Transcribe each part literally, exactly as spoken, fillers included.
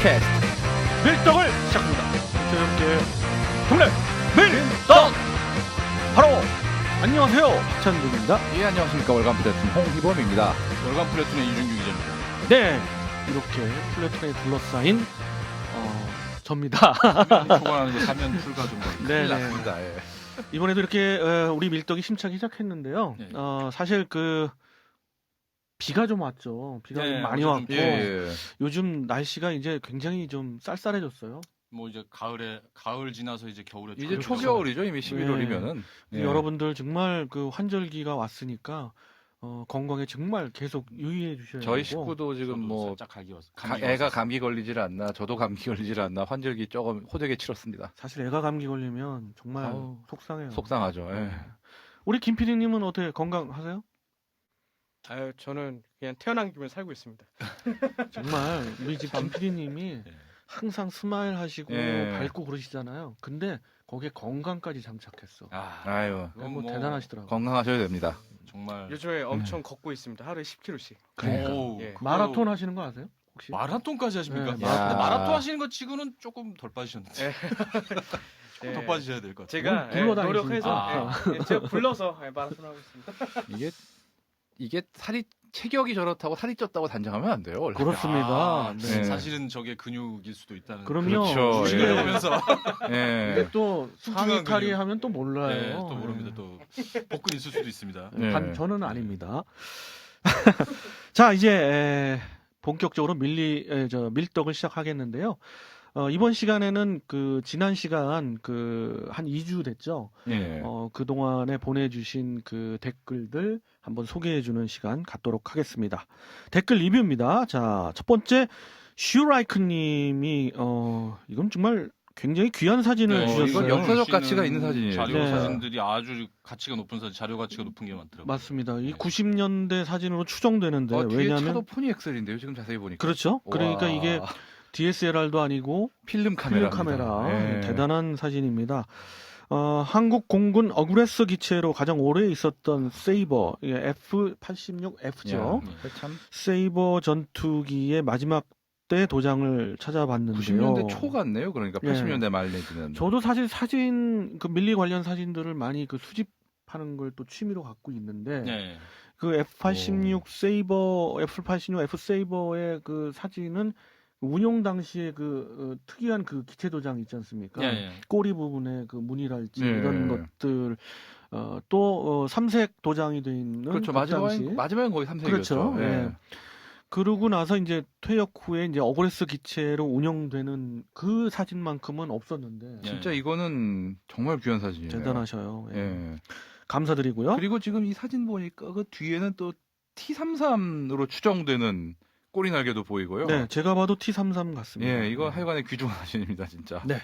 팟캐스트 밀떡을 시작합니다. 저녁에 동네 밀떡 바로 안녕하세요 박찬욱입니다. 예, 안녕하십니까. 월간 플래툰 홍희범입니다. 월간 플래툰의 이준규 기자입니다. 네, 이렇게 플래툰에 둘러싸인 어, 접니다. 초반하는 거 사면 풀가 좀 네, 네. 맞습니다. 예. 이번에도 이렇게 어, 우리 밀떡이 심차게 시작했는데요. 네. 어, 사실 그 비가 좀 왔죠. 비가 네, 좀 많이 어제 좀 왔고 예, 예. 요즘 날씨가 이제 굉장히 좀 쌀쌀해졌어요. 뭐 이제 가을에 가을 지나서 이제 겨울에 이제 들어가서 초겨울이죠. 이미 십일월이면은. 네. 여러분들 정말 그 환절기가 왔으니까 어, 건강에 정말 계속 유의해 주셔야 되고. 저희 식구도 지금 저도 뭐 살짝 감기 왔 가, 애가 감기 걸리질 않나, 저도 감기 걸리질 않나 환절기 조금 호되게 치렀습니다. 사실 애가 감기 걸리면 정말 아우, 속상해요. 속상하죠. 예. 네. 우리 김 피디님은 어떻게 건강하세요? 아유, 저는 그냥 태어난 기분 살고 있습니다. 정말 우리 집 김 피디님이 네. 항상 스마일 하시고 예. 밝고 그러시잖아요. 근데 거기에 건강까지 장착했어. 아, 아유, 뭐, 뭐 대단하시더라고요. 건강하셔야 됩니다. 정말 요즘에 엄청 걷고 있습니다. 하루에 십 킬로그램씩. 그러니까. 오, 예. 그거 마라톤 하시는 거 아세요? 혹시? 마라톤까지 하십니까? 네, 마라톤. 근데 마라톤 하시는 거 치고는 조금 덜 빠지셨는데 예. 조금 더 예. 빠지셔야 될 것 같아요. 제가 물- 예, 굴러다니시니까. 노력해서 아. 예, 예, 제가 불러서 예, 마라톤 하고 있습니다. 이게 이게 살이 체격이 저렇다고 살이 쪘다고 단정하면 안 돼요. 원래. 그렇습니다. 아, 네. 네. 사실은 저게 근육일 수도 있다는. 그럼요. 그렇죠. 이게, 예. 하면서 예. 이게 또 뚱뚱한 상의 탈의 근육. 하면 또 몰라요. 네, 또 모릅니다. 또 복근 있을 수도 있습니다. 네. 반, 저는 아닙니다. 자, 이제 에, 본격적으로 밀리 에, 저 밀떡을 시작하겠는데요. 어, 이번 시간에는 그 지난 시간 그 한 이 주 됐죠. 예. 어, 그 동안에 보내주신 그 댓글들 한번 소개해주는 시간 갖도록 하겠습니다. 댓글 리뷰입니다. 자, 첫 번째 슈라이크님이 어, 이건 정말 굉장히 귀한 사진을 네, 주셨어요. 이건 역사적 주시는 가치가 있는 사진이에요. 자료 네. 사진들이 아주 가치가 높은 사진, 자료 가치가 높은 게 많더라고요. 맞습니다. 이 네. 구십 년대 사진으로 추정되는데 어, 뒤에 왜냐하면 차도 포니엑셀인데요. 지금 자세히 보니까. 그렇죠. 그러니까 와. 이게 디에스엘알도 아니고 필름 카메라. 필름 카메라 예. 대단한 사진입니다. 어, 한국 공군 어그레서 기체로 가장 오래 있었던 세이버 에프 팔십육 에프죠. 야, 참 세이버 전투기의 마지막 때 도장을 찾아봤는데요. 구십 년대 초 같네요. 그러니까 예. 팔십 년대 말 내지는. 저도 사실 사진 그 밀리 관련 사진들을 많이 그 수집하는 걸 또 취미로 갖고 있는데 네. 그 에프 팔십육 세이버 에프 팔십육 F 세이버의 그 사진은 운용 당시에 그 어, 특이한 그 기체 도장 있지 않습니까? 예, 예. 꼬리 부분에 그 무늬랄지 네. 이런 것들 어, 또 어, 삼색 도장이 돼 있는 그렇죠. 그 마지막엔 당시. 마지막엔 거의 삼색이었죠. 그렇죠. 예. 그러고 나서 이제 퇴역 후에 이제 어그레스 기체로 운영되는 그 사진만큼은 없었는데 예. 진짜 이거는 정말 귀한 사진이에요. 대단하셔요. 예. 예. 감사드리고요. 그리고 지금 이 사진 보니까 그 뒤에는 또 티 삼십삼으로 추정되는 꼬리 날개도 보이고요. 네, 제가 봐도 티 삼십삼 같습니다. 예, 이거 하여간에 귀중한 사진입니다, 진짜. 네.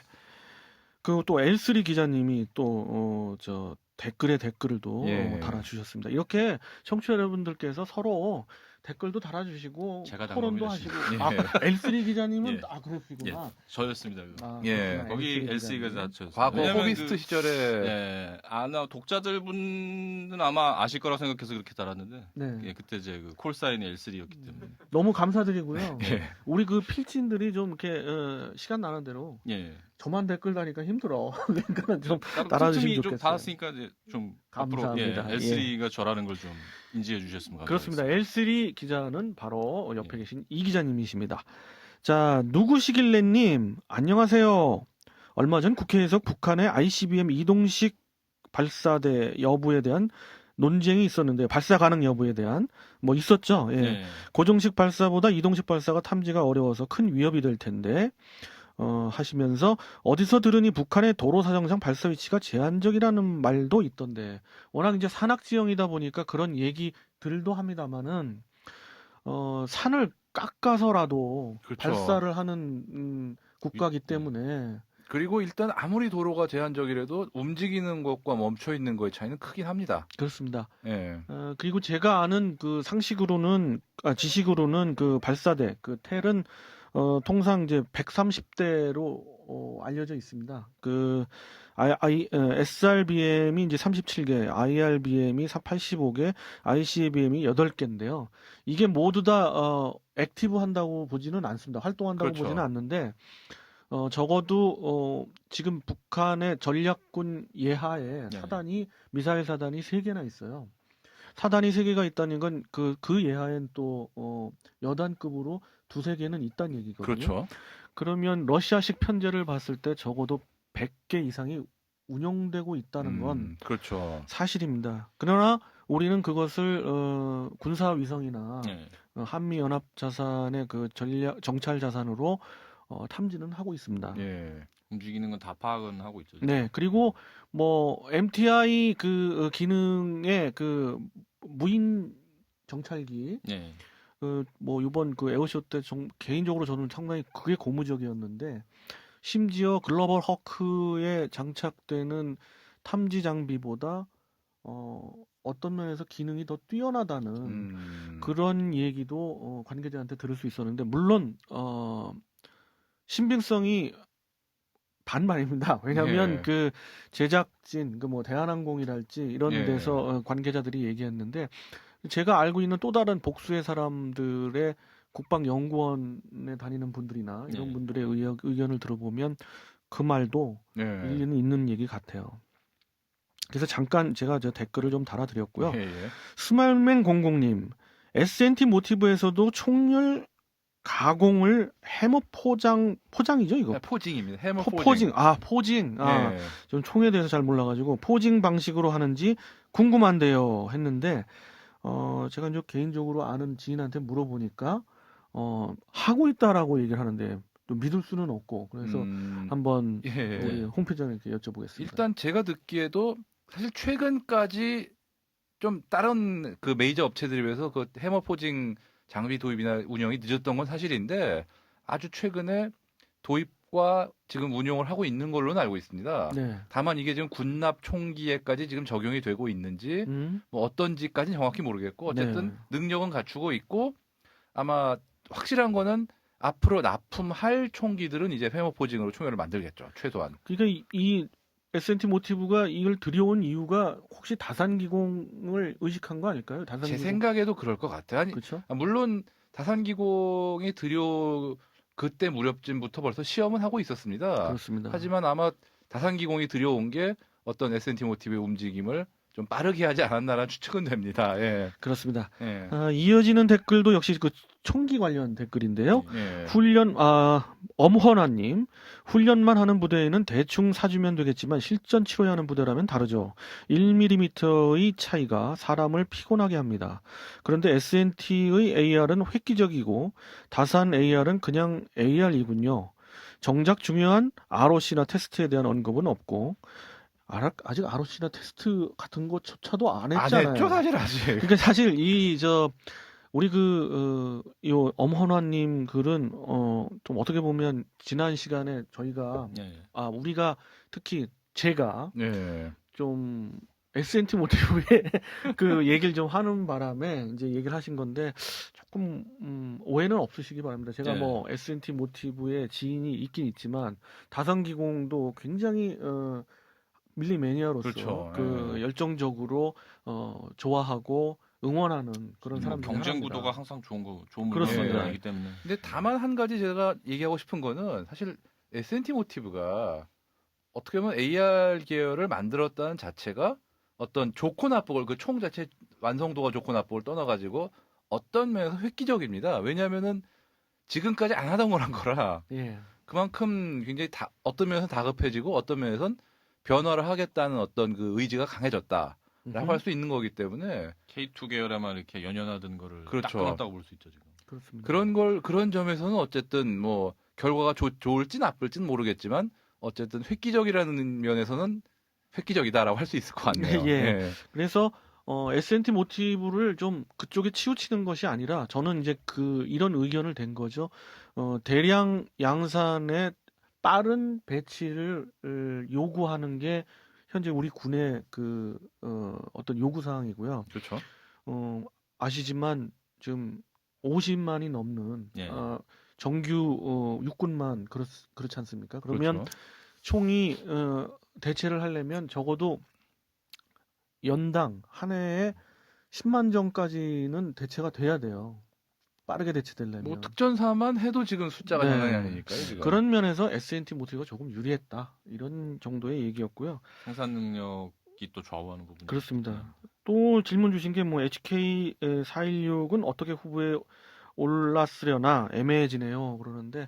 그리고 또 엘 쓰리 기자님이 또 어, 저 댓글에 댓글을 또 예. 달아주셨습니다. 이렇게 청취자 여러분들께서 서로 댓글도 달아주시고 제가 토론도 당첨이 하시고 예. 아, 엘 쓰리 기자님은 예. 아 그렇구나. 저였습니다. 그거. 아, 예. 그렇구나. 거기 엘쓰리 엘씨가 기자님. 다 저였어요. 과거 왜냐면 호비스트 그, 시절에 예, 아나 독자들 분은 아마 아실 거라고 생각해서 그렇게 달았는데 네. 예, 그때 이제 그 콜사인이 엘쓰리였기 때문에 너무 감사드리고요. 예. 우리 그 필진들이 좀 이렇게 어, 시간 나는 대로 예. 저만 댓글 다니까 힘들어. 그러니까 좀 따로 달아주시면 틈틈이 좀 좋겠어요. 달았으니까 이제 좀 앞으로 감사합니다. 예, 엘쓰리가 저라는 걸 좀 인지해 주셨으면 그렇습니다. 감사하겠습니다. 엘 쓰리 기자는 바로 옆에 예. 계신 이 기자님이십니다. 자, 누구시길래님 안녕하세요. 얼마 전 국회에서 북한의 아이씨비엠 이동식 발사대 여부에 대한 논쟁이 있었는데 발사 가능 여부에 대한 뭐 있었죠. 예. 예. 고정식 발사보다 이동식 발사가 탐지가 어려워서 큰 위협이 될 텐데 어, 하시면서 어디서 들으니 북한의 도로 사정상 발사 위치가 제한적이라는 말도 있던데 워낙 이제 산악 지형이다 보니까 그런 얘기들도 합니다만은 어, 산을 깎아서라도 그렇죠. 발사를 하는 음, 국가기 위- 때문에 그리고 일단 아무리 도로가 제한적이라도 움직이는 것과 멈춰 있는 거의 차이는 크긴 합니다. 그렇습니다. 예. 어, 그리고 제가 아는 그 상식으로는 아, 지식으로는 그 발사대 그 텔은 어, 통상 이제 백삼십 대로 어, 알려져 있습니다. 그 I, I, 어, 에스알비엠이 이제 삼십칠 개, 아이알비엠이 팔십오 개, 아이씨비엠이 여덟 개인데요. 이게 모두 다 어, 액티브 한다고 보지는 않습니다. 활동한다고 그렇죠. 보지는 않는데 어, 적어도 어, 지금 북한의 전략군 예하에 네. 사단이 미사일 사단이 세 개나 있어요. 사단이 세 개가 있다는 건 그 그 예하엔 또 어, 여단급으로 두세 개는 있다는 얘기거든요. 그렇죠. 그러면 러시아식 편제를 봤을 때 적어도 백 개 이상이 운영되고 있다는 건 음, 그렇죠. 사실입니다. 그러나 우리는 그것을 어, 군사 위성이나 네. 어, 한미 연합 자산의 그 전략 정찰 자산으로 어, 탐지는 하고 있습니다. 예. 움직이는 건 다 파악은 하고 있죠. 네, 그리고 뭐 엠티아이 그 어, 기능의 그 무인 정찰기 네. 그 뭐 이번 그 에어쇼 때 정, 개인적으로 저는 상당히 그게 고무적이었는데 심지어 글로벌 허크에 장착되는 탐지 장비보다 어, 어떤 면에서 기능이 더 뛰어나다는 음, 그런 얘기도 어, 관계자한테 들을 수 있었는데 물론 어, 신빙성이 반반입니다. 왜냐하면 예. 그 제작진 그 뭐 대한항공이랄지 이런 예. 데서 어, 관계자들이 얘기했는데 제가 알고 있는 또 다른 복수의 사람들의 국방연구원에 다니는 분들이나 이런 네. 분들의 의견, 의견을 들어보면 그 말도 예. 일리는 있는 얘기 같아요. 그래서 잠깐 제가 저 댓글을 좀 달아드렸고요. 예, 예. 스마일맨 공공님, 에스엔티 모티브에서도 총열 가공을 해머 포장 포장이죠 이거? 네, 포징입니다. 해머 포, 포징. 포징. 아 포징. 아, 예. 전 총에 대해서 잘 몰라가지고 포징 방식으로 하는지 궁금한데요 했는데 어 제가 이제 개인적으로 아는 지인한테 물어보니까 어 하고 있다라고 얘기를 하는데 또 믿을 수는 없고 그래서 음, 한번 예. 우리 홈페이지에 이렇게 여쭤보겠습니다. 일단 제가 듣기에도 사실 최근까지 좀 다른 그 메이저 업체들에 비해서 그 해머 포징 장비 도입이나 운영이 늦었던 건 사실인데 아주 최근에 도입과 지금 운용을 하고 있는 걸로는 알고 있습니다. 네. 다만 이게 지금 군납 총기에까지 지금 적용이 되고 있는지 음. 뭐 어떤지까지는 정확히 모르겠고 어쨌든 네. 능력은 갖추고 있고 아마 확실한 거는 앞으로 납품할 총기들은 이제 해머 포징으로 총열을 만들겠죠. 최소한. 그러니까 이, 이 에스엔티 모티브가 이걸 들여온 이유가 혹시 다산기공을 의식한 거 아닐까요? 제 다산기공. 생각에도 그럴 것 같아요. 아니, 그렇죠? 아, 물론 다산기공이 들여 그때 무렵쯤부터 벌써 시험은 하고 있었습니다. 그렇습니다. 하지만 아마 다산기공이 들여온 게 어떤 에스엔티 모티브의 움직임을 좀 빠르게 하지 않았나라는 추측은 됩니다. 예. 그렇습니다. 예. 아, 이어지는 댓글도 역시 그 총기 관련 댓글인데요. 예. 훈련, 아, 엄헌아님, 훈련만 하는 부대에는 대충 사주면 되겠지만 실전 치러야 하는 부대라면 다르죠. 일 밀리미터의 차이가 사람을 피곤하게 합니다. 그런데 에스엔티의 에이알은 획기적이고 다산 에이알은 그냥 에이알이군요. 정작 중요한 알오씨나 테스트에 대한 언급은 없고, 아, 아직 알오씨나 테스트 같은 거조차도 안 안 했잖아요. 했죠, 사실 아직. 그러니까 사실 이 저 우리 그 어, 요 엄헌화님 글은 어 좀 어떻게 보면 지난 시간에 저희가 네. 아 우리가 특히 제가 예. 좀 에스엔티 모티브의 그 얘기를 좀 하는 바람에 이제 얘기를 하신 건데 조금 음, 오해는 없으시기 바랍니다. 제가 네. 뭐 에스엔티 모티브의 지인이 있긴 있지만 다산기공도 굉장히 어, 밀리 매니아로서 그렇죠. 그 예. 열정적으로 어, 좋아하고 응원하는 그런 뭐 사람 중에 경쟁 하나입니다. 구도가 항상 좋은 거 좋은 그렇습니다. 문화이기 때문에. 근데 다만 한 가지 제가 얘기하고 싶은 거는 사실 에스엔티 모티브가 어떻게 보면 에이알 계열을 만들었다는 자체가 어떤 좋고 나쁘고 그 총 자체 완성도가 좋고 나쁘고를 떠나가지고 어떤 면에서 획기적입니다. 왜냐하면은 지금까지 안 하던 거란 거라 예. 그만큼 굉장히 다, 어떤 면에서 다급해지고 어떤 면에선 변화를 하겠다는 어떤 그 의지가 강해졌다라고 음흠. 할 수 있는 거기 때문에 케이 투 계열에만 이렇게 연연하던 거를 딱 그렇죠. 끊었다고 볼 수 있죠 지금. 그렇습니다. 그런 걸 그런 점에서는 어쨌든 뭐 결과가 좋, 좋을지 나쁠지는 모르겠지만 어쨌든 획기적이라는 면에서는 획기적이다라고 할 수 있을 것 같네요. 예. 그래서 어, 에스엔티 모티브를 좀 그쪽에 치우치는 것이 아니라 저는 이제 그 이런 의견을 낸 거죠. 어, 대량 양산의 빠른 배치를 을, 요구하는 게 현재 우리 군의 그 어, 어떤 요구 사항이고요. 그렇죠. 어, 아시지만 지금 오십만이 넘는 예. 어, 정규 어, 육군만 그렇, 그렇지 않습니까? 그러면 그렇죠. 총이 어, 대체를 하려면 적어도 연당 한 해에 십만 정까지는 대체가 돼야 돼요. 빠르게 대체되려면 뭐 특전사만 해도 지금 숫자가 네. 장난이 아니니까요. 지금. 그런 면에서 에스엔티 모티브가 조금 유리했다 이런 정도의 얘기였고요. 생산 능력이 또 좌우하는 부분. 그렇습니다. 또 질문 주신 게 뭐 에이치케이 사백십육은 어떻게 후보에 올랐으려나 애매해지네요. 그러는데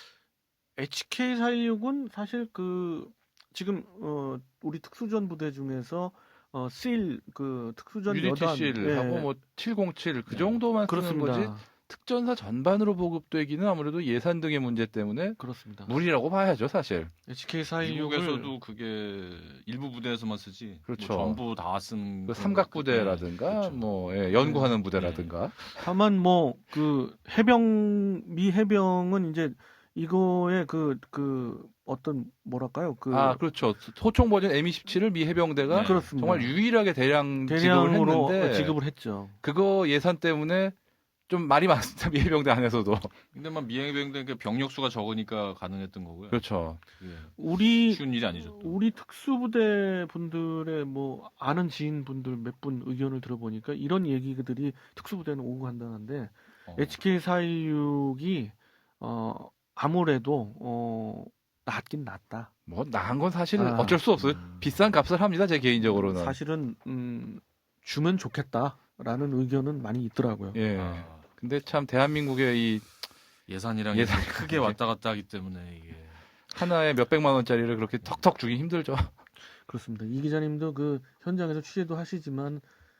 에이치케이 사백십육은 사실 그 지금 어 우리 특수전 부대 중에서 어 실 그 특수전 유니티 여단 실하고 예, 뭐 칠공칠 그 네. 정도만 쓰는 거지 그렇습니다. 특전사 전반으로 보급되기는 아무래도 예산 등의 문제 때문에 그렇습니다. 무리라고 봐야죠, 사실. 에이치케이 사백십육을 미국에서도 그게 일부 부대에서만 쓰지. 그렇죠. 뭐 전부 다 쓴. 그 그런 삼각 거- 부대라든가 네, 그렇죠. 뭐 예, 연구하는 부대라든가 다만 뭐 그 해병 미 해병은 이제 이거에 그 그 어떤 뭐랄까요 그 아 그렇죠. 소총 버전 엠 이십칠을 미 해병대가 네. 그렇습니다. 정말 유일하게 대량 지급을 대량으로 했는데 지급을 했죠. 그거 예산 때문에 좀 말이 많습니다. 미 해병대 안에서도. 근데 막 미행병대 병력 수가 적으니까 가능했던 거고요. 그렇죠. 그게 우리 쉬운 일이 아니죠. 또. 우리 특수부대 분들의 뭐 아는 지인 분들 몇 분 의견을 들어보니까 이런 얘기들이 특수부대는 오고 간다는데 어. 에이치케이 사백십육이 어 아무래도 어 낫긴 낫다. 뭐 나은 건 사실 아. 어쩔 수 없어요. 음. 비싼 값을 합니다. 제 개인적으로는. 사실은 음 주면 좋겠다라는 의견은 많이 있더라고요. 예. 아, 근데 참 대한민국의 이 예산이랑 예산- 예산 크게 왔다 갔다 하기 때문에 이게 하나에 몇백만 원짜리를 그렇게 턱턱 주기 힘들죠. 그렇습니다. 이 기자님도 그 현장에서 취재도 하시지만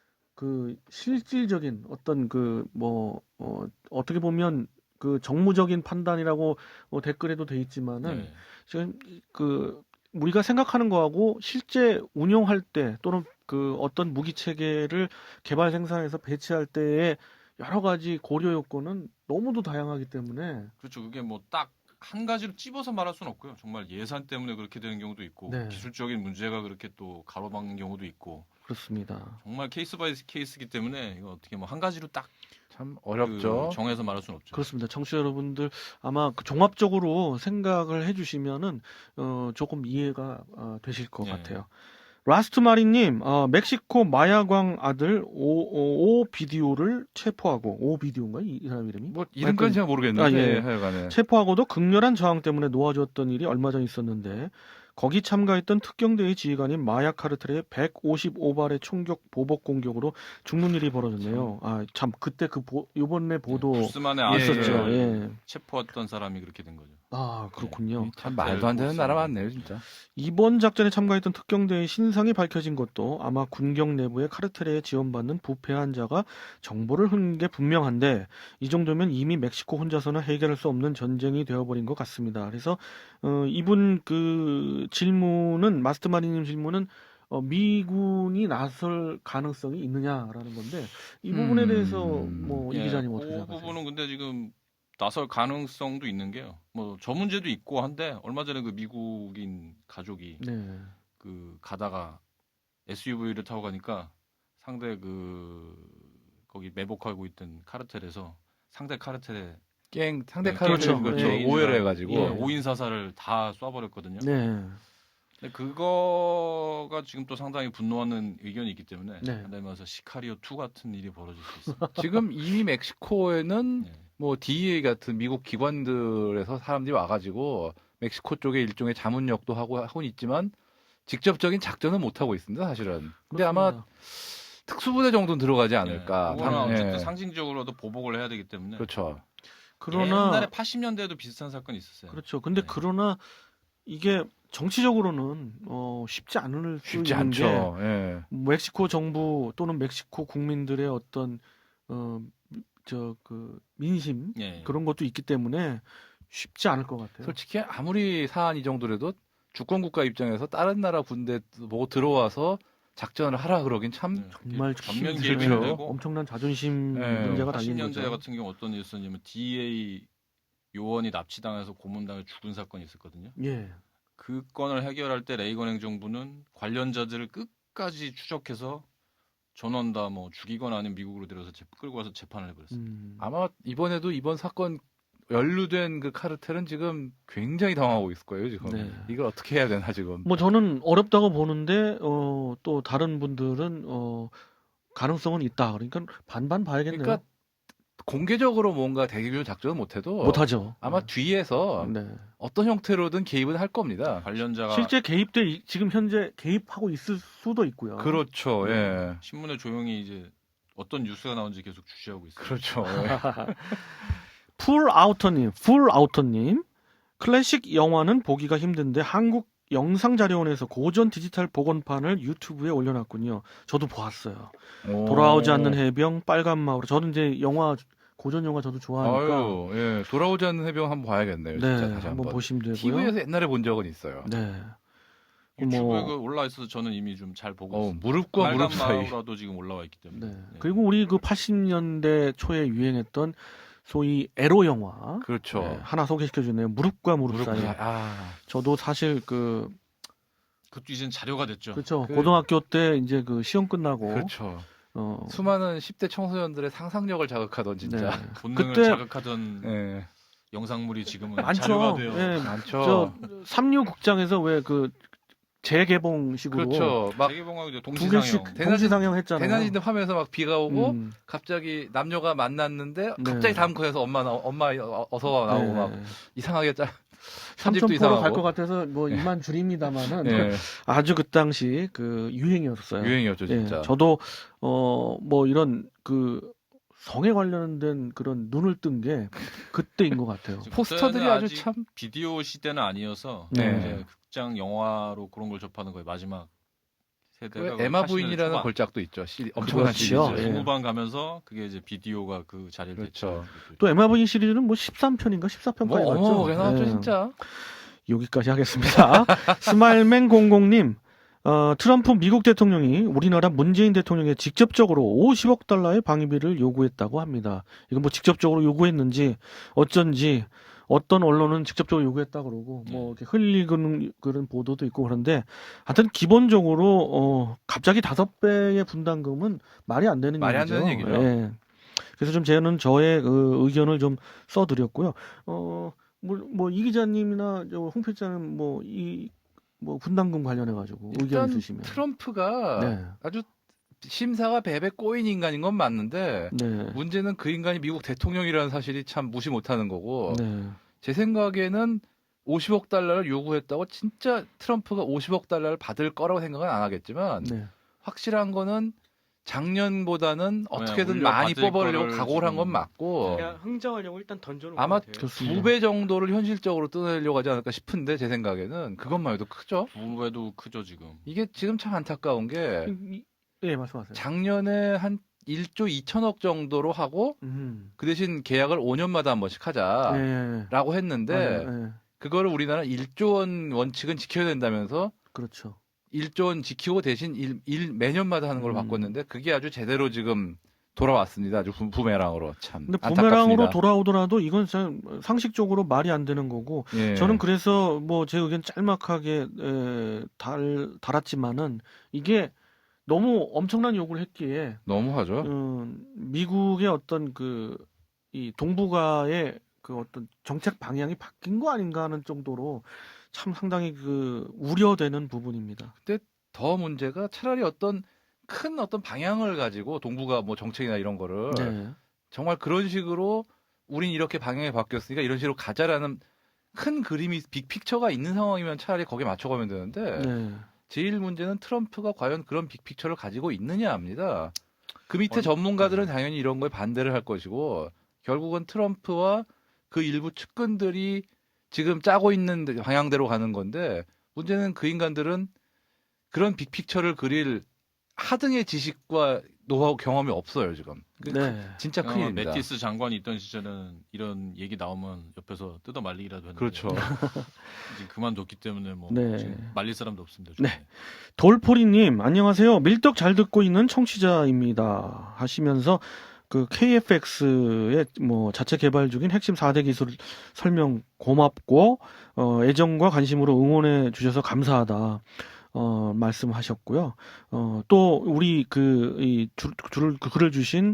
그 실질적인 어떤 그 뭐 어, 어떻게 보면 그 정무적인 판단이라고 어, 댓글에도 돼 있지만은 네. 지금 그 우리가 생각하는 거하고 실제 운용할 때 또는 그 어떤 무기 체계를 개발 생산해서 배치할 때의 여러 가지 고려 요건은 너무도 다양하기 때문에 그렇죠. 그게 뭐 딱 한 가지로 찝어서 말할 수는 없고요. 정말 예산 때문에 그렇게 되는 경우도 있고 네. 기술적인 문제가 그렇게 또 가로막는 경우도 있고 그렇습니다. 정말 케이스 바이 케이스이기 때문에 이거 어떻게 뭐 한 가지로 딱 참 그 어렵죠. 정해서 말할 수는 없죠. 그렇습니다. 청취자 여러분들 아마 그 종합적으로 생각을 해주시면은 어, 조금 이해가 어, 되실 것 네. 같아요. 라스트 마리님, 어, 멕시코 마야광 아들 오, 오, 오 비디오를 체포하고 오 비디오인가 이, 이 사람 이름이? 뭐 이름까지 잘 모르겠는데 아, 예. 하여간에 체포하고도 극렬한 저항 때문에 놓아주었던 일이 얼마 전 있었는데 거기 참가했던 특경대의 지휘관인 마야 카르텔의 백오십오 발의 총격 보복 공격으로 죽는 일이 벌어졌네요. 아 참 그때 그 보, 이번에 보도 부스만의 예, 있었죠. 아들을 예. 체포했던 사람이 그렇게 된 거죠. 아 그렇군요. 참 말도 안 되는 보스. 나라 많네요, 진짜. 이번 작전에 참가했던 특경대의 신상이 밝혀진 것도 아마 군경 내부의 카르텔에 지원받는 부패한 자가 정보를 흘린 게 분명한데 이 정도면 이미 멕시코 혼자서는 해결할 수 없는 전쟁이 되어버린 것 같습니다. 그래서 어, 이분 그 질문은 마스터마리님 질문은 어, 미군이 나설 가능성이 있느냐라는 건데 이 부분에 음. 대해서 뭐 이 예, 기자님 어떻게 그 생각하세요? 부분은 근데 지금 나설 가능성도 있는 게요. 뭐 저 문제도 있고 한데 얼마 전에 그 미국인 가족이 네. 그 가다가 에스유브이를 타고 가니까 상대 그 거기 매복하고 있던 카르텔에서 상대 카르텔에 갱 상대 네, 카르텔 그렇죠. 그렇죠. 예. 오해를 해가지고 예. 오 인 사살을 다 쏴버렸거든요. 네. 근데 그거가 지금 또 상당히 분노하는 의견이 있기 때문에 네. 한달면서 시카리오 투 같은 일이 벌어질 수 있습니다. 지금 이미 멕시코에는 네. 뭐 디이에이 같은 미국 기관들에서 사람들이 와가지고 멕시코 쪽에 일종의 자문역도 하고 하고 있지만 직접적인 작전은 못 하고 있습니다, 사실은. 근데 아마 그렇습니다. 특수부대 정도는 들어가지 않을까. 네. 그거는 방- 어쨌든 예. 상징적으로도 보복을 해야 되기 때문에. 그렇죠. 그러나 옛날에 팔십 년대에도 비슷한 사건이 있었어요. 그렇죠. 근데 네. 그러나 이게 정치적으로는 어, 쉽지 않을 수 쉽지 있는 게 않죠. 예. 멕시코 정부 또는 멕시코 국민들의 어떤 어, 저 그 민심 예. 그런 것도 있기 때문에 쉽지 않을 것 같아요. 솔직히 아무리 사안 이 정도라도 주권 국가 입장에서 다른 나라 군대 보고 들어와서 작전을 하라 그러긴 참 네. 정말 전면 힘들죠. 개입이 되고 엄청난 자존심 네. 문제가 팔십 달린 년대 거죠. 같은 경우 어떤 일이 있었냐면 디이에이 요원이 납치당해서 고문당해 죽은 사건이 있었거든요. 예. 그 건을 해결할 때 레이건 행정부는 관련자들을 끝까지 추적해서 전원 다 뭐 죽이거나 아니면 미국으로 데려서 재- 끌고 와서 재판을 해버렸어요. 음. 아마 이번에도 이번 사건 연루된 그 카르텔은 지금 굉장히 당하고 있을 거예요, 지금. 네. 이걸 어떻게 해야 되나 지금. 뭐 저는 어렵다고 보는데 어, 또 다른 분들은 어, 가능성은 있다. 그러니까 반반 봐야겠네요. 그러니까 공개적으로 뭔가 대규모 작전은 못해도 못하죠. 아마 뒤에서 네. 어떤 형태로든 개입은 할 겁니다. 관련자가 실제 개입돼 이- 지금 현재 개입하고 있을 수도 있고요. 그렇죠. 예. 신문에 조용히 이제 어떤 뉴스가 나온지 계속 주시하고 있어요. 그렇죠. 예. 풀 아우터님, 풀 아우터님, 클래식 영화는 보기가 힘든데 한국 영상자료원에서 고전 디지털 복원판을 유튜브에 올려놨군요. 저도 보았어요. 오. 돌아오지 않는 해병, 빨간 마을. 저는 이제 영화 고전 영화 저도 좋아하니까 아유, 예. 돌아오지 않는 해병 한번 봐야겠네요. 네, 진짜 다시 한번 한번. 보시면 되고요. 티비에서 옛날에 본 적은 있어요. 네. 유튜브에 뭐- 그 올라와 있어서 저는 이미 좀 잘 보고 어, 있어요. 무릎과 빨간 무릎 사이. 마우라도 지금 올라와 있기 때문에. 네. 네. 그리고 우리 그 팔십 년대 초에 유행했던 소위 에로 영화 그렇죠. 네, 하나 소개시켜 주네요. 무릎과 무릎, 무릎 사이. 사이. 아. 저도 사실 그 그것도 이젠 자료가 됐죠. 그렇죠. 그- 고등학교 때 이제 그 시험 끝나고 그렇죠. 어 수많은 십 대 청소년들의 상상력을 자극하던 진짜. 네. 본능을 그때- 자극하던 예. 영상물이 지금은 많죠. 자료가 돼요. 예, 많죠. 저 삼류 극장에서 왜 그 재개봉식으로 그렇죠. 막 세계봉하고 이제 두 동시상영. 개씩 대낮- 동시상영 했잖아요. 대낮인데 화면에서 막 비가 오고 음, 갑자기 남녀가 만났는데 네. 갑자기 다음 컷에서 엄마 나 엄마 어- 어서 와 나오고 네. 막 이상하게 짜 편집도 삼천포로 갈 이상하고. 것 같아서 뭐 예. 이만 줄입니다만은 예. 아주 그 당시 그 유행이었어요. 유행이었죠 진짜. 예, 저도 어 뭐 이런 그 성에 관련된 그런 눈을 뜬 게 그때인 것 같아요. 포스터들이 그때는 아주 아직 참 비디오 시대는 아니어서 네. 이제 극장 영화로 그런 걸 접하는 거예요. 마지막 세대가 그 에마 팔십 년대 부인이라는 초반. 걸작도 있죠. 시, 엄청난 그렇죠. 시리즈. 예. 중후반 가면서 그게 이제 비디오가 그 자리를 그렇죠. 됐죠. 또 에마브이 시리즈는 뭐 십삼 편인가 십사 편까지 뭐 갔죠. 어마어마하게 나왔죠 예. 진짜. 여기까지 하겠습니다. 스마일맨 공공님, 어, 트럼프 미국 대통령이 우리나라 문재인 대통령에 직접적으로 오십억 달러의 방위비를 요구했다고 합니다. 이건 뭐 직접적으로 요구했는지 어쩐지 어떤 언론은 직접적으로 요구했다 그러고 뭐 이렇게 흘리는 그런 보도도 있고 그런데 하여튼 기본적으로 어, 갑자기 다섯 배의 분담금은 말이 안 되는 말이 안 얘기죠. 되는 얘기죠. 예. 그래서 좀 저는 저의 그 의견을 좀 써드렸고요. 어, 뭐 이 기자님이나 저홍 필자는 뭐 이 뭐 분담금 관련해 가지고 의견 일단 있으시면 트럼프가 네. 아주 심사가 배배 꼬인 인간인 건 맞는데 네. 문제는 그 인간이 미국 대통령이라는 사실이 참 무시 못하는 거고 네. 제 생각에는 오십억 달러를 요구했다고 진짜 트럼프가 오십억 달러를 받을 거라고 생각은 안 하겠지만 네. 확실한 거는 작년보다는 어떻게든 올려 많이 받을 뽑으려고 거를 각오를 한 건 지금- 맞고 그냥 흥정하려고 일단 던져놓은 아마 것 같아요. 그렇습니다. 두 배 정도를 현실적으로 뜯어내려고 하지 않을까 싶은데 제 생각에는 그것만 해도 크죠. 두 배도 크죠 지금. 이게 지금 참 안타까운 게 이- 예, 말씀하세요. 작년에 한 일조 이천억 정도로 하고 음. 그 대신 계약을 오 년마다 한 번씩 하자라고 예, 예. 했는데 맞아요. 예. 그거를 우리나라 일조 원 원칙은 지켜야 된다면서 그렇죠. 일조 원 지키고 대신 일, 일 매년마다 하는 걸로 음. 바꿨는데 그게 아주 제대로 지금 돌아왔습니다. 아주 부, 부메랑으로 참 근데 안타깝습니다. 부메랑으로 돌아오더라도 이건 참 상식적으로 말이 안 되는 거고 예. 저는 그래서 뭐 제 의견 짤막하게 에, 달 달았지만은 이게 너무 엄청난 요구를 했기에 너무하죠. 음, 미국의 어떤 그 이 동북아의 그 어떤 정책 방향이 바뀐 거 아닌가 하는 정도로 참 상당히 그 우려되는 부분입니다. 더 문제가 차라리 어떤 큰 어떤 방향을 가지고 동북아 뭐 정책이나 이런 거를 네. 정말 그런 식으로 우린 이렇게 방향이 바뀌었으니까 이런 식으로 가자라는 큰 그림이 빅픽처가 있는 상황이면 차라리 거기에 맞춰가면 되는데 네. 제일 문제는 트럼프가 과연 그런 빅픽처를 가지고 있느냐 합니다. 그 밑에 어디- 전문가들은 당연히 이런 거에 반대를 할 것이고 결국은 트럼프와 그 일부 측근들이 지금 짜고 있는 방향대로 가는 건데 문제는 그 인간들은 그런 빅픽처를 그릴 하등의 지식과 노하우 경험이 없어요 지금. 그 네. 진짜 어, 큰일입니다. 매티스 장관이 있던 시절은 이런 얘기 나오면 옆에서 뜯어 말리기라도 했는데 그렇죠. 지금 그만뒀기 때문에 뭐 네. 지금 말릴 사람도 없습니다. 네. 주변에. 돌포리님 안녕하세요. 밀떡 잘 듣고 있는 청취자입니다. 하시면서 그 케이에프엑스의 뭐 자체 개발 중인 핵심 사 대 기술 설명 고맙고 어, 애정과 관심으로 응원해 주셔서 감사하다. 어, 말씀하셨고요. 어, 또 우리 그이 줄을 그 글을 주신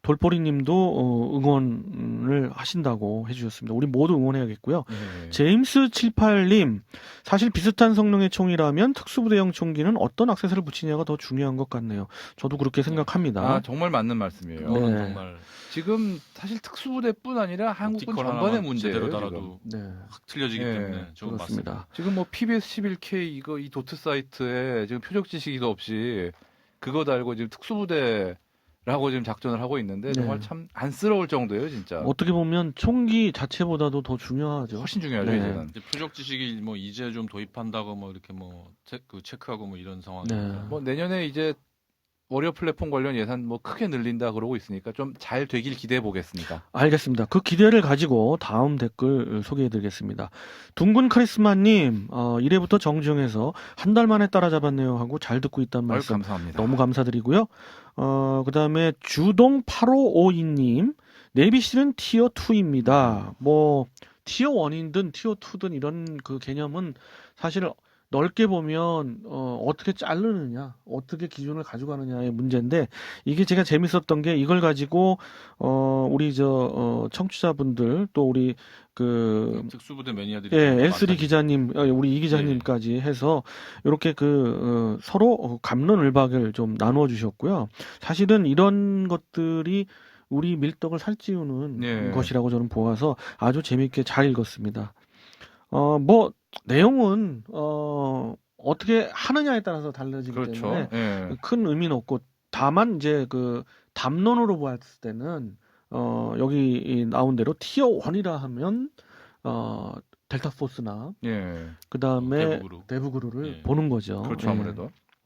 돌포리님도 어, 응원을 하신다고 해주셨습니다. 우리 모두 응원해야겠고요. 예. 제임스 칠십팔님, 사실 비슷한 성능의 총이라면 특수부대형 총기는 어떤 액세서리를 붙이냐가 더 중요한 것 같네요. 저도 그렇게 생각합니다. 아 정말 맞는 말씀이에요. 네. 이거는 정말 지금 사실 특수부대뿐 아니라 한국군 옵티컬 전반의 하나만 문제예요. 제대로 지금. 달아도 네, 확 틀려지기 예, 때문에 저건 맞습니다. 그렇습니다. 지금 뭐 피비에스 십일 케이 이거 이 도트 사이트에 지금 표적 지식도 없이 그거 달고 지금 특수부대라고 지금 작전을 하고 있는데 정말 네. 참 안쓰러울 정도예요, 진짜. 어떻게 보면 총기 자체보다도 더 중요하죠. 훨씬 중요하죠, 네. 이제는. 이제 표적 지식이 뭐 이제 좀 도입한다고 뭐 이렇게 뭐 체, 그 체크하고 뭐 이런 상황이 네. 뭐 내년에 이제 워리어 플랫폼 관련 예산 뭐 크게 늘린다 그러고 있으니까 좀 잘 되길 기대해 보겠습니다. 알겠습니다. 그 기대를 가지고 다음 댓글 소개해드리겠습니다. 둥근 카리스마님, 어, 일 회부터 정주행해서 한 달 만에 따라잡았네요 하고 잘 듣고 있다는 아유, 말씀 감사합니다. 너무 감사드리고요. 어, 그 다음에 주동 팔오오이님, 내비실은 티어 투입니다. 뭐, 티어 일이든 티어 이든 이런 그 개념은 사실 넓게 보면 어, 어떻게 자르느냐, 어떻게 기준을 가져가느냐의 문제인데 이게 제가 재밌었던 게 이걸 가지고 어, 우리 저 어, 청취자분들 또 우리 그 특수부대 매니아들이 예, 많다니까. 엘쓰리 기자님, 어, 우리 이 기자님까지 해서 이렇게 그 어, 서로 어, 갑론을박을 좀 나누어 주셨고요. 사실은 이런 것들이 우리 밀떡을 살찌우는 예. 것이라고 저는 보아서 아주 재밌게 잘 읽었습니다. 어, 뭐 내용은 어, 어떻게 하느냐에 따라서 달라지기 그렇죠. 때문에 예. 큰 의미는 없고 다만 이제 그 담론으로 보았을 때는 어, 여기 이 나온 대로 티어 일이라 하면 어, 델타 포스나 예. 그 다음에 대북으로. 대북으로를 예. 보는 거죠. 그렇죠, 예. 아무래도.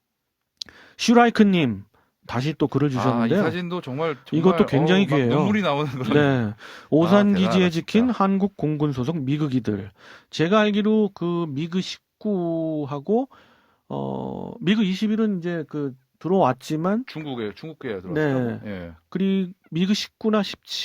슈라이크님 다시 또 글을 아, 이 주셨는데요. 사진도 정말, 정말 이것도 굉장히 어우, 막 귀해요. 눈물이 나오는 그런. 네, 오산 아, 기지에 대단하다, 지킨 진짜. 한국 공군 소속 미그기들. 제가 알기로 그 미그 십구하고 어 미그 이십일은 이제 그 들어왔지만 중국에 중국계에 들어왔어요. 네. 예. 그리 미그 십구나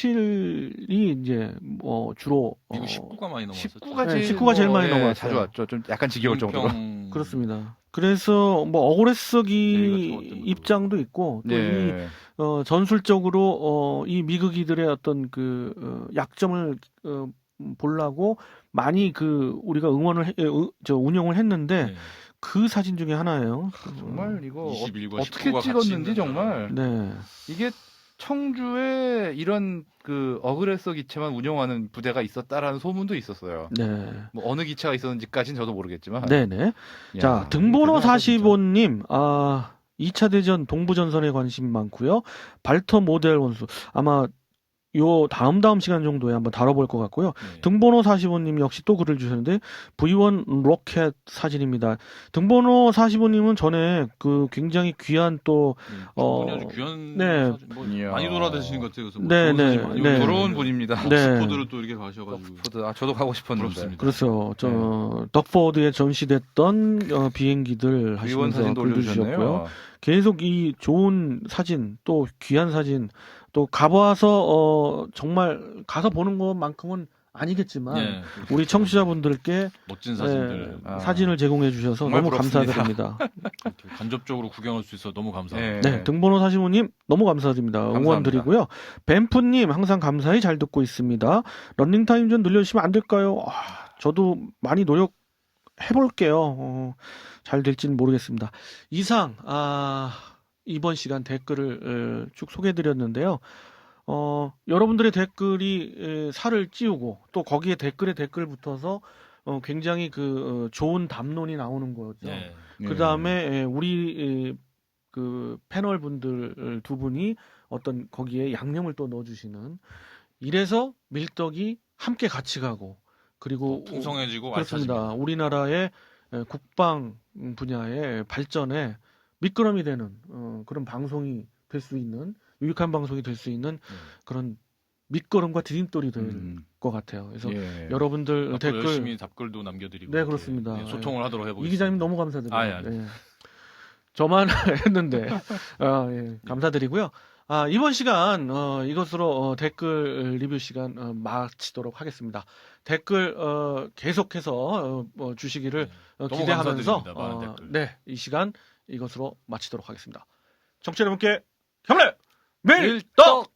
십칠이 이제 뭐 주로 미국 어, 십구가 많이 넘었었죠. 십구가 네, 제일, 십구가 제일 많이 예, 넘어왔어요. 자주 왔죠. 좀 약간 지겨울 정도로. 평- 그렇습니다. 그래서 뭐 억울해 쓰기 대위가 적었던 것도 입장도 있고 또 이 네. 어, 전술적으로 어, 이 미국이들의 어떤 그 어, 약점을 어, 보려고 많이 그 우리가 응원을 해, 어, 저 운영을 했는데 네. 그 사진 중에 하나예요. 정말 이거 어, 이십일과 어떻게 십구가 같이 찍었는지 있는 정말 네. 이게 청주에 이런 그 어그레서 기체만 운영하는 부대가 있었다라는 소문도 있었어요. 네. 뭐 어느 기체가 있었는지까지는 저도 모르겠지만. 네네. 야, 자, 등번호 대단하다, 사십오님, 아, 이 차 대전 동부전선에 관심 많고요. 발터 모델 원수. 아마 요 다음 다음 시간 정도에 한번 다뤄볼 것 같고요. 네. 등번호 사십오님 역시 또 글을 주셨는데 브이 원 로켓 사진입니다. 등번호 사십오님은 전에 그 굉장히 귀한 또 네. 어, 충분히 아주 귀한 네. 사진, 뭐 이야. 많이 돌아다니시는 것 같아요. 그래서 뭐 네, 좋은 네, 사진 많이 네. 올리시는데 부러운 분입니다. 네. 옥스포드를 또 이렇게 가셔가지고 덕포드. 아 저도 가고 싶었는데. 부럽습니다. 그렇죠. 저 덕포드에 전시됐던 어, 비행기들 의원 하시면서 사진도 글도 주셨고요. 올려주셨네요. 계속 이 좋은 사진 또 귀한 사진 또 가봐서 어, 정말 가서 보는 것만큼은 아니겠지만 네. 우리 청취자분들께 멋진 사진들 네, 아. 사진을 제공해 주셔서 정말 너무 부럽습니다. 감사드립니다. 이렇게 간접적으로 구경할 수 있어 너무 감사합니다. 네. 네, 등번호 사십오님 너무 감사드립니다. 응원 감사합니다. 드리고요. 뱀프님 항상 감사히 잘 듣고 있습니다. 런닝타임 좀 늘려주시면 안 될까요? 아, 저도 많이 노력해볼게요. 어, 잘 될지는 모르겠습니다. 이상 아, 이번 시간 댓글을 어, 쭉 소개해드렸는데요. 어, 여러분들의 댓글이 에, 살을 찌우고 또 거기에 댓글에 댓글 붙어서 어, 굉장히 그 어, 좋은 담론이 나오는 거죠. 네. 그 다음에 우리 에, 그 패널 분들 두 분이 어떤 거기에 양념을 또 넣어주시는 이래서 밀떡이 함께 같이 가고 그리고 더 풍성해지고 그렇습니다. 알차집니다. 우리나라의 에, 국방 분야의 발전에 미끄럼이 되는 어, 그런 방송이 될 수 있는 유익한 방송이 될 수 있는 네. 그런 밑거름과 디딤돌이 될 것 음. 같아요. 그래서 예. 여러분들 앞으로 댓글 열심히 답글도 남겨드리고 네, 이렇게, 그렇습니다. 네, 소통을 하도록 해보겠습니다. 이 기자님 너무 감사드려요. 아, 예, 알겠습니다. 예. 저만 했는데 아, 예, 감사드리고요. 아, 이번 시간 어, 이것으로 어, 댓글 리뷰 시간 어, 마치도록 하겠습니다. 댓글 어, 계속해서 어, 어, 주시기를 네. 어, 너무 기대하면서 감사드립니다. 많은 어, 댓글. 네, 이 시간 이것으로 마치도록 하겠습니다. 청취자 여러분께 경례 밀떡!